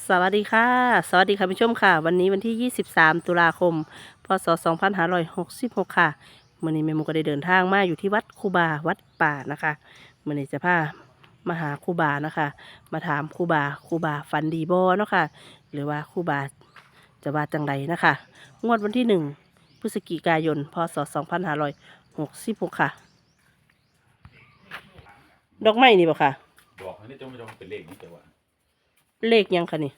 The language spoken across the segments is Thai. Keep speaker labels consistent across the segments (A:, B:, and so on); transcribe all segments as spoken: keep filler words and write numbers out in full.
A: สวัสดีค่ะสวัสดีค่ะผู้ชมค่ะวันนี้วันที่ยี่สิบสามตุลาคมพศสองพันห้าร้อยหกสิบหกค่ะมื่อนี้แม่หมูก็ได้เดินทางมาอยู่ที่วัดคูบาวัดป่านะคะมื่อนี้จะพามาหาคูบานะคะมาถามคูบาคูบาฟันดีบอเนาะค่ะหรือว่าคูบาจะว่าจังไรนะคะงวดวันที่หนึ่งพฤศจิกายนพศสองพันห้าร้อยหกสิบหกค่ะดอกไม้นี่บ่ค่ะ
B: บอกอันนี้จะไม่ต้องเป็นเลขนี้แต่ว่า
A: เลขยังคะนี่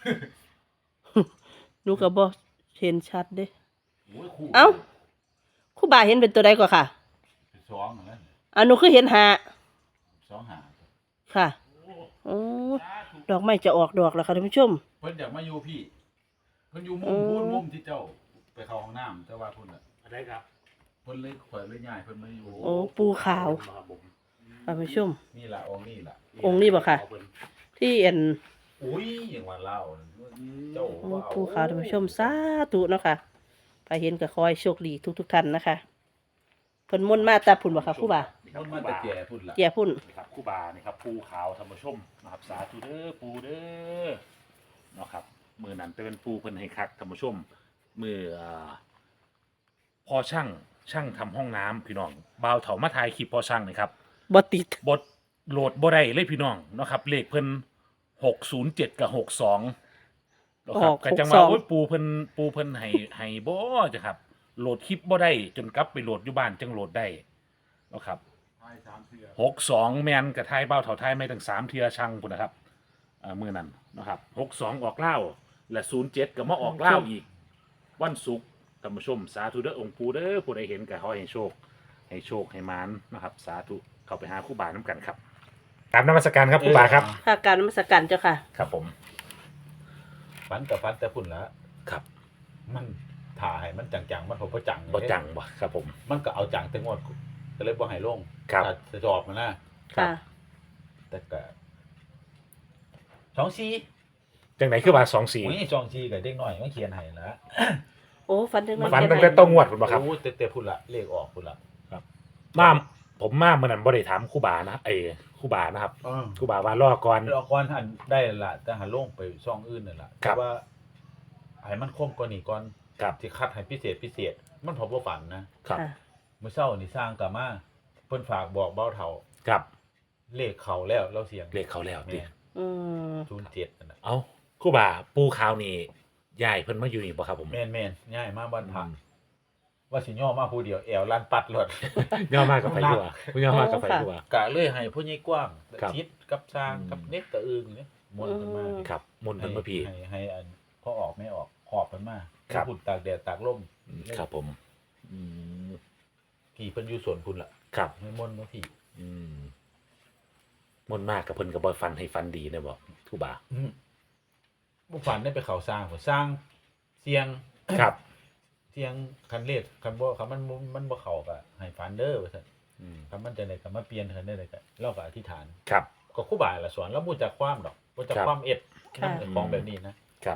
A: หนูก็บ่เห็นชัดเด้
B: โอ้ยคู่
A: เอ้าครูบาเห็นเป็นตัวใดกว่าค่ะ
B: เป็นสองนะ
A: อ่าหนูคือเห็นหา
B: สองหา
A: ค่ะโอ้ดอกไม้จะออกดอกแล้วค่ะท่านผู้ชม
B: เพิ่นอยากมาอยู่พี่เพิ่นอยู่มุ
A: อื
B: ม
A: ม
B: พูนมุมที่เจ้าไปเข้าห้องน้ำแต่ว่าเพิ่นอ่ะ
C: อะไรครับ
B: เพิ่นเลยข่อยเลยย้ายเพิ่นมาอยู่
A: โอ้ปูขาว
C: ครับผม
A: ท่านผู้ชม
B: นี่ล่ะองค์นี่ล่ะ
A: องค์นี้บ่ค่ะ ที่เอ็น
B: อุ้ยอย่างว่าเล่าเจ้า
A: โอ้
B: ว่าเอา
A: ปูขาวท่านผู้ชมสาธุเนาะค่ะไปเห็นก็ขอให้โชคดีทุกทุกๆท่านนะคะเพิ่นมุ่นต์มาตาพุ่นบ่ค่ะครูบา
C: นี่ครั
B: เพิ่
C: บ
B: น
C: ครู
B: มาแต่
C: บา
B: แก่พุ่นล่ะ
A: เจียพุ่น
C: นี่ครับครูบานี่ครับปูขาวธรรมชมนะครับสาธุเด้อปูเด้อเนาะครับมือนั้นเป็นปูเพิ่นให้คักธรรมชมมืออ่าพอช่างช่างทำห้องน้ำพี่น้องบ่าวเถามาถ่ายคลิปพอช่างนี่ครับ
A: บ่ติด
C: บทโหลดบ่ได้เลยพี่น้องเนาะครับเลขเพิ่นหกศูนย์เจ็ดกับหกสองเนาะครับก็จังว่าโอ้ยปูเพิ่นปูเพิ่นให้ให้บ่จ้ะครับโหลดคลิปบ่ได้จนกลับไปโหลดอยู่บ้านจังโหลดได้เนาะครับ
B: ท้ายสามเทื่อ
C: หกสองแมนกับไทยเบ้าเถาไทยไม่ตั้งสามเทียช่างพุ่นนะครับอ่ามือนั้นนะครับหกสองออกเล่าและศูนย์เจ็ดก็มาออกเล่าอีก วันศุกร์ท่านผู้ชม สาธุเด้อองค์ปู่เด้อผู้ใดเห็นก็ขอให้โชค ให้โชคให้มานนะครับ สาธุเข้าไปหาครู่บาน้ำกันครับตามนมัสการครับครู่บาครับ
A: ค่ะการนมัสการเจ้าค่ะ
C: ครับผม
B: ฟันกับฟันแต่พุ่นละ
C: ครับ
B: มันถ่ายมันจังๆมันบ่จัง
C: บ่จังบ่ครับผม
B: มันก็เอาจังแต่งวดก็เลยบ่ให้ลง
C: ครับ
B: ถ้าจะจอบมันนะ
C: ครับ
A: ค่ะ
B: แต่ก็สองซี
C: จังไหนคือบาสองสี่
B: อุ้ยสองซีกับเด็กน้อยมันเขียนให้ละ
A: โอ้ฟันถึง
C: ฝันตั้งแต่ต้องงวดพุ่นบ่ครับ
B: โอ้แต่แต่พุ่นละเลขออกพุ่นละ
C: มาผมมาเมื่อนั้นบ่ได้ถามครู่บานะเอ้ครู่บานะครับ
B: อ๋อ
C: ครู่บาว่ารอก่อน
B: เราก่อนหันได้ละแต่หันลงไปช่องอื่นนั่นล่ะ
C: ครั
B: แต่
C: บ
B: ว่าให้มันคมกว่านี้ก่อน
C: ครับ
B: ที่คัดให้พิเศษพิเศษ มันพอบ่ฝันนะครับ
A: ค่ะ
B: เมื่อเช้านี่สร้างกลับมาเพิ่นฝากบอกเบ้าเฒ่า
C: ครับ
B: เลขเขาแล้วเราเสียง
C: เลขเขาแล้วติ
B: แม่
A: อืม
B: ศูนย์เจ็ดนั่นน่ะ
C: เอ้าครู่บาปูขาวนี่ยายเพิ่นมาอยู่นี่บ่ครับผม
B: แม่นแม่นง่ายมากบ้านพักว่าสิย่อมาผู้เดียวแอวลั่นปัดรถ
C: ย่อมากกับไฟดัวย่อมากกับไฟดัว
B: กะเลยให้ผู้ใหญ่กว้าง
C: ครับ
B: ชิดกับสร้าง
C: อืม
B: กับเน็ตตะอึงเนี่ยมนต์กันมา
C: ครับมนต์เพิ่นมาพี่
B: ให้ให้ให้อันพอออกไม่ออกขอบกันมา
C: ครับ
B: พุ่นตากแดดตากลม
C: ครับผมอืม
B: พี่เพิ่นอยู่สวนพุ่นล่ะ
C: ครับ
B: ให้มนต์มาพี่
C: อืมมนต์มากกับเพิ่นก็บ่ฟันให้ฟันดีนะบ่ครูบา
B: อืมบ่ฝันได้ไปเขาสร้างบ่สร้างเสียง
C: ครับ
B: เสียงคันเลขคันบ่คันมันมันบ่เข้าก็ให้ฝันเด้อว่าซั่น
C: อืม
B: คันมันจะได้ก็มาเปลี่ยนคันได้เลยก็เราก็อธิษฐาน
C: ครับ
B: ก็ครูบาละสอนแล้วบ่จักความดอกบ่จัก
C: ครับ
B: ความเอ็ด
A: ค่ะ
B: นำของแบบนี้นะครับ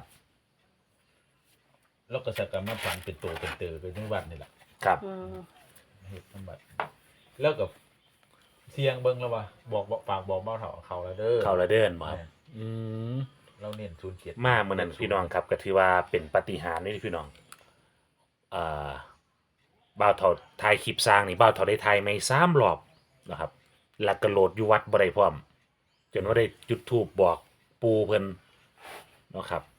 B: แล้วก็สักการมาฝันเป็นตัวเป็นเตอเป็นจังหวัดนี่แหละ
C: ครับ
A: อืม
B: เฮ็ดจังหวัดแล้วก็เสียงเบิ่งแล้วว่าบอกบอกฝากบอกเบ้าเฒ่าเขาแล้วเด้อ
C: เข้าละเดินบ่ครับอืม
B: เราเน้นศูนย์เจ็ด
C: มามื้อนั้นพี่น้องครับก็ถือว่าเป็นปาฏิหาริย์นี่พี่น้องอ่าบ่าวเฒ่าถ่ายคลิปสร้างนี่บ่าวเฒ่าได้ถ่ายไม่สามรอบนะครับแล้วก็โหลดอยู่วัดบ่ได้พร้อม จนว่าได้จุดธูปบอกปูเพิ่นเนาะครับ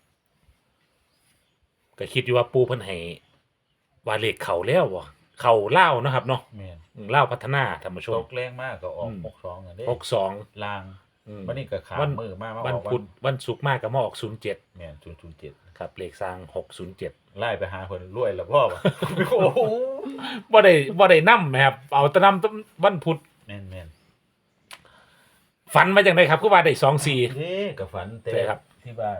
C: ก็คิดอยู่ว่าปูเพิ่นให้ว่าเลขเข้าแล้วบ่เข้าเล่าวเนาะครับเนาะ
B: แม่น
C: อืมเล่าวพัฒนาท่านผู้ช
B: ต
C: ม
B: กแรงมากก็ออก
C: อืม
B: หกสองอ่ะเด้
C: หกสอง
B: ลาง
C: อืม
B: วันนี้ก็ขา
C: วัน
B: มือมามา
C: วัน
B: ออก
C: พุธวันศุกร์มากก็มาออกศูนย์เจ็ด
B: แม่นศูนย์ศูนย์เจ็ด
C: ครับเลขสร้างหกศูนย์เจ็ด
B: ไล่ไปหาคนรวยแล้วพ่อว่ะ โอ้โห
C: บ่ได้บ่ได้นำแหมครับเอาแต่นำวันพุธ
B: แม่นแม่น
C: ฝันมาจังไดครับคือว่าได้สองสี่
B: เด้กับฝันแต่
C: ใช่ครับ
B: ที่บ้าน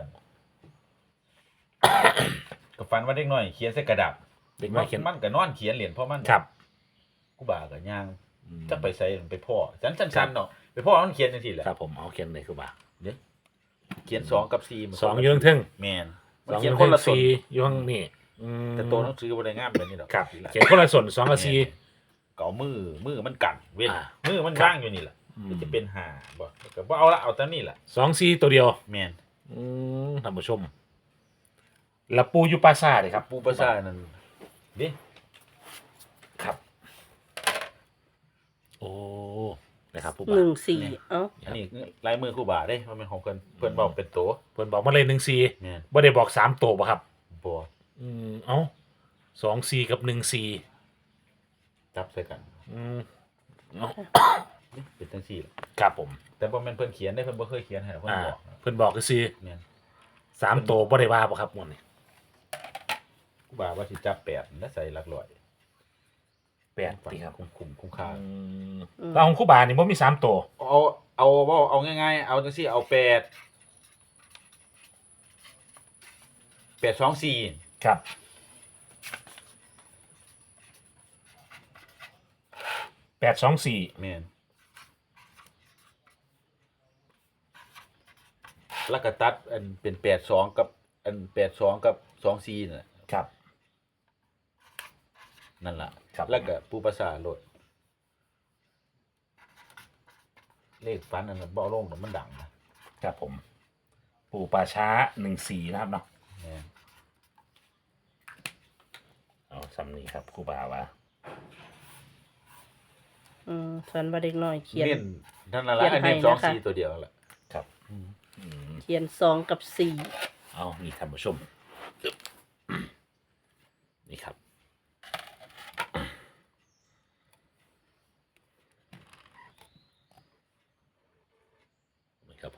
B: กับฝันว่าเด็กน้อยเขียนใส่กระดาษ
C: เด็กน้อยเขียน
B: มันก็นอนเขียนเหรียญเพราะมัน
C: ครับ
B: กูบ่าก็ย่างจักไปใส่ไปพ่อจันชันๆเนาะไปพ่อมันเขียนจังซี่แหละ
C: ครับผมเอาเขียนเลยคือว่า
B: เขียนสองกับสี่มัน
C: สองอยู่เทิง
B: แม่น
C: ๆ
B: มัน
C: สองอ
B: เขียน
C: ยู่
B: คน
C: เทิง
B: ละส่วน
C: สี่อยู่ข้างนี่อืม
B: แต่ตัวหนังสือบ่ได้งามแบบนี้ดอก
C: ครับเขียนคนละส่วนสองกับสี่
B: ก็เอามือมือมันกันเว้น
C: อ่า
B: มือมัน
C: ครับ
B: ว่างอยู่นี่แหละ
C: อืม
B: มันจะเป็นหาบ่ก็บ่เอาละเอาแต่นี่แหละ
C: สองสี่ตัวเดียว
B: แม่น
C: อืมท่านผู้ชม แล้วปูอยู่ปราสาทเลยครับ
B: ปูประสาทนั่นดิ
C: ครับ โอ้นะครับผู้
A: ห
C: บ่า
A: นึ่งสี่เอ้า
B: อันนี้ลายมือครูบาเด้มันเป็นของเพิ่นเพิ่นบอกเป็นตัว
C: เพิ่นบอกมาเลยหนึ่งสี่
B: แม่น
C: บ่ได้บอกสามตัวป่ะครับ
B: บ่
C: อืมเอ้าสองสี่กับหนึ่งสี่
B: จับใส่กัน
C: อืมเอ้า
B: นี่เป็นจังซี่ล่ะ
C: ครับผม
B: แต่บ่แม่นเพิ่นเขียนได้เพิ่นบ่เคยเขียนให้เพิ่น
C: อ่า
B: บอก
C: เพิ่นบอกก็คือ
B: แม่น
C: สามตัวบ่ได้ว่าป่ะครับหมดนี่
B: ครูบาว่าสิจับแปดแล้วใส่หลักร้อย
C: แปดตีครับ
B: คุ้มคุ้มคุ้มค่า
C: อืมแล้วของครู่บานี่บ่มีสามตัว
B: เอาเอาเอาเอาง่ายๆเอาจังซี่เอาแปดแปดสองสี่
C: ครับแปดสองสี่
B: แม่นแล้วก็ตัดอันเป็นแปดสองกับอันแปดสองกับสองสี่นั่นแหละ
C: ครับ
B: นั่นล่ะ
C: ครับ
B: แล้วก็ปูประสาทโลดเลขฟันอันนั้นบ่เอาลงแต่มันดังนะครับ
C: ผม ปู่ป่าช้าหนึ่งสี่นะครับเนาะ
B: แม่น
C: เอาสำนี้ครับครู่บาว่า
A: อืมส่วนว่าเด็กน้อยเขียน
B: เน้นนั่นน่ะละ
A: เขียน
B: อันนี้
A: ให้
B: สอง
A: นะคะ
B: สี่ตัวเดียวแหละ
C: ครับ
B: อืม
C: อืม
A: เขียนสองกับสี่
C: เอานี่ท่านผู้ชม นี่ครับ นี่ครับผม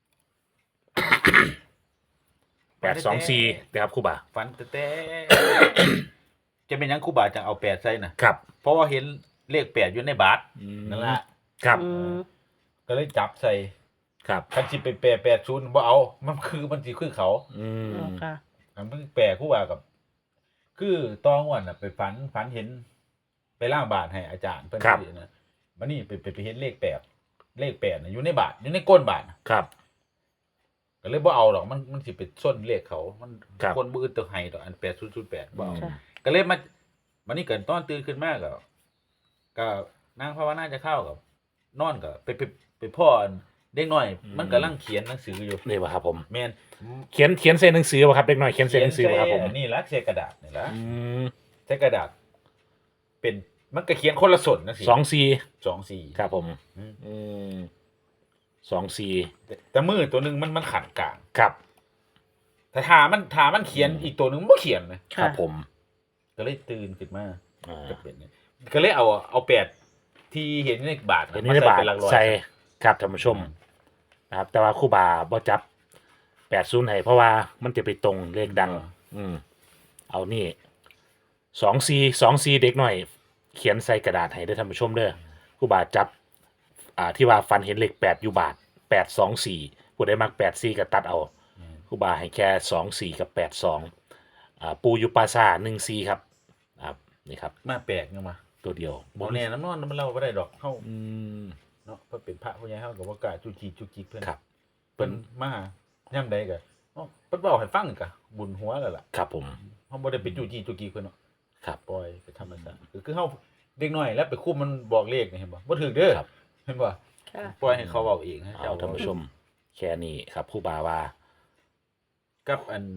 C: แปดสองสี่นะครับครู่บา
B: ฟันแต่แต่ จะเป็นหยังครูบาจังเอาแปดใส่น่ะ
C: ครับ
B: เพราะว่าเห็นเลขแปดอยู่ในบาทนั่นล่ะ
C: ครับ
A: อืม
B: ก็เลยจับใส่
C: ครับ
B: คันสิไปแปดแปดศูนย์บ่เอา มันคือมันสิคือเขา
C: อืม
A: เอาค่ะ
B: อันมันแปลครูบากับ คือตองวันน่ะไปฝันฝันเห็น ไปล่างบาทให้อาจารย์เพิ่นสินะมันนี่ไปไปไปเห็นเลขแปดเลขแปดน่ะอยู่ในบาทอยู่ในก้นบาทน่ะ
C: ครับ
B: ก็เลยบ่เอาหรอกมันมันสิไปส้นเลขเขา มัน
C: ครับ
B: คนบ่อื่นตัวให้ดอกอันแปดศูนย์ศูนย์แปดบ่เอา
A: ค่ะ
B: ก็เลยมาวันนี้เกิดตอนตื่นขึ้นมาก็ก็นางภาวนาจะเข้ากับ นอนก็ไปไปไปพ่ออันเด็กน้อย มันกำลังเขียนหนังสืออยู่
C: นี่ป่ะครับผม
B: แม่น
C: เขียนเขียนเส้นหนังสือป่ะครับเด็กน้อยเขียนเส้นหนังสือป่ะครับผม
B: ใส่นี่ละใช้กระดาษนี่ละ
C: อืม
B: ใช้กระดาษ เป็นมันก็เขียนคนละส่วนนะสิ
C: สองสี่
B: สองสี่
C: ครับผม
B: อืม
C: อืมสองสี่
B: แต่แต่มือตัวหนึงมันมันขัดกลาง
C: ครับ
B: แต่ถามันถามันเขียนอีกตัวหนึงมันบ่เขียนนะ
C: ครั
A: ค่ะ
C: บผม
B: ก็เลยตื่นขึ้นมา
C: อ่า
B: ก็เป็นเนี่ยก็เลยเอาเอาแปดที่เห็นในบาท
C: เห็นนี่ในบาท
B: เป็นหลักร้อย
C: ใส่ครับท่านผู้ชมนะครับ แต่ว่าครู่บาบ่จับแปดศูนย์ให้เพราะว่ามันจะไปตรงเลขดัง อืมเอานี่สองซีสองซีเด็กหน่อย เขียนใส่กระดาษให้ได้อท่านผู้ชมเด้อครู่บาจับ อ่าที่ว่าฟันเห็นเลขแปดอยู่บาทแปดสองสี่ผู้ใดมักแปดสี่ก็ตัดเอาครู่บาให้แค่สองสี่กับแปดสองอ่าปูอยูปาซาหนึ่งซีครับครับนี่ครับ
B: มาแปลกเนี่ยมา
C: ตัวเดียว
B: บ่แน่น้ำนอนมันเล่าบ่ได้ดอกเฮา
C: อืม
B: เนาะเพิ่นเป็นพระผู้ใหญ่เฮาก็บ่กล้าจุกจิกจุกจิกเพิ่น
C: ครับ
B: เพิ่นมาย่ำใดก็เอ้าเพิ่นเว้าให้ฟังก็บุญหัวแล้วล่ะ
C: ครับผม
B: เฮาบ่ได้ไปจุกจิกจุกจิกเพิ่นเนาะ
C: ครับ
B: ปล่อยไปธรรมชาติคือคือเฮาเด็กน้อยแล้วไปคุมมันบอกเลขนี่เห็นบ่บ่ถูกเด้อ
C: ครับ
B: เห็นบ่
A: ค่ะ
B: ปล่อยให้เขาเว้าเองให้
C: เอา
B: เจ้า
C: ท่านผู้ชม แค่นี้ครับครู่บาว่า
B: กับอัน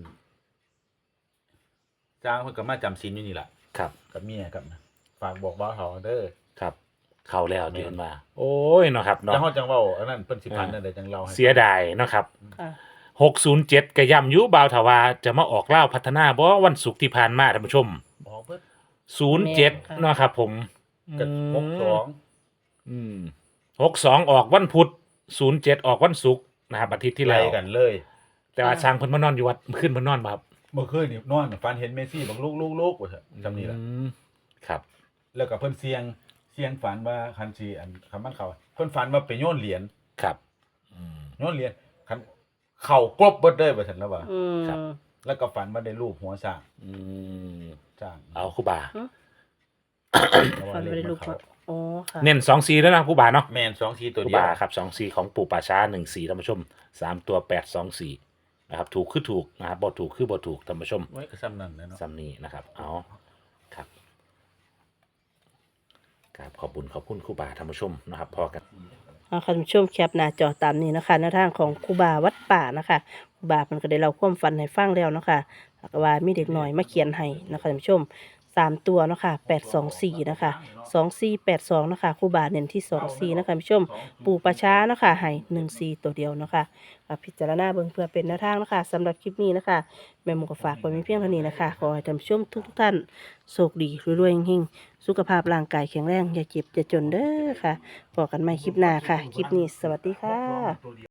B: จ้างเพิ่นก็มาจำศีลอยู่นี่ล่ะ
C: ครับ
B: กับเมียกับฝากบอกบ่าวเฒ่าเด้อ
C: ครับ เข้าแล้ว
B: แม่น
C: เดือนมา โอ้ยเนาะครับ
B: จั
C: เนาะ
B: งเฮาจังเว้าอันนั้นเพิ่นสิพัน
C: อ่า
B: นั่นได้จังเล่าให้
C: เสียดายเนาะครับ
A: ค่ะ
C: หกศูนย์เจ็ดกระยำยุบาวถาวาจะมาออกเล่าวพัฒนาบ่วันศุกร์ที่ผ่านมาท่านผู้ชม
B: บอกเพิ่น
C: ศูนย์เจ็ด
A: แม่นค่ะ
C: เนาะครับผม
B: ก็หกสอง
C: อืมหกสองออกวันพุธศูนย์เจ็ดออกวันศุกร์นะครับอาทิตย์ที่
B: ไล่
C: แล้ว
B: กันเลย
C: แต่ว่าช้างเพิ่นมานอนอยู่วัดขึ้นเพิ่นนอนบ่ครับ
B: เมื่อคืนนี่นอนฝันเห็นเมสซี่บอกลูกลูกลูกว่าเถอะจำนี่แหละ
C: อืมครับ
B: แล้วก็เพิ่นเสียงเสียงฝันว่าคันสิอันคำมันเขาเพิ่นฝันว่าไปโยนเหรียญ
C: ครับอืม
B: โยนเหรียญคันเข่ากรบเบิดเลยว่าซั่นแล้วว่า
A: อืม
C: ครับ
B: แล้วก็ฝันว่าได้รูปหัวช้าง
C: อืม
B: ช้าง
C: เอาครูบา
B: แล้วว่า
A: ฟัน
B: เล
A: ไป
B: ข
A: ได้
B: มั
A: ลู
B: น
A: ก
B: เข้า
A: โอ้ค่ะ
C: เน้นสองสีแล้วนะครูบาเนาะ
B: แม่นสองสีตัว
C: ครู
B: เดียว
C: บาครับสองสีของปู่ป่าช้าหนึ่งสีท่านผู้ชมสามตัวแปดสองสี่นะครับ ถูกคือถูกนะครับบ่ถูกคือบ่ถูกท่านผู้ชม
B: ไว้ก็ซ้ำนั่นแหละเนาะ
C: ซ้ำนี้นะครับ เอาครับกราบขอบคุญขอบคุณครูบาท่านผู้ชมนะครับ พอกัน
A: เอาค่ะท่านผู้ชมแคปหน้าจอตามนี้นะคะหน้าทางของครูบาวัดป่านะคะบามันก็ได้เล่าความฝันให้ฟังแล้วเนาะค่ะแล้วก็ว่ามีเด็กน้อยมาเขียนให้นะคะท่านผู้ชมสามตัวเนาะค่ะแปดสองสี่นะคะสองสี่แปดสองเนาะค่ะครูบาเน้นที่สองสี่นะคะท่านผู้ชมปู่ประช้าเนาะค่ะให้หนึ่งสี่ตัวเดียวเนาะค่ะอ่ะพิจารณาเบิ่งเพื่อเป็นแนวทางเนาะค่ะสำหรับคลิปนี้นะคะแม่หมูก็ฝากไว้มีเพียงเท่านี้นะคะขอให้ท่านผู้ชมทุกๆท่านโชคดีรวยๆเฮงๆสุขภาพร่างกายแข็งแรงอย่าเจ็บอย่าจนเด้อค่ะพบกันใหม่คลิปหน้าค่ะคลิปนี้สวัสดีค่ะ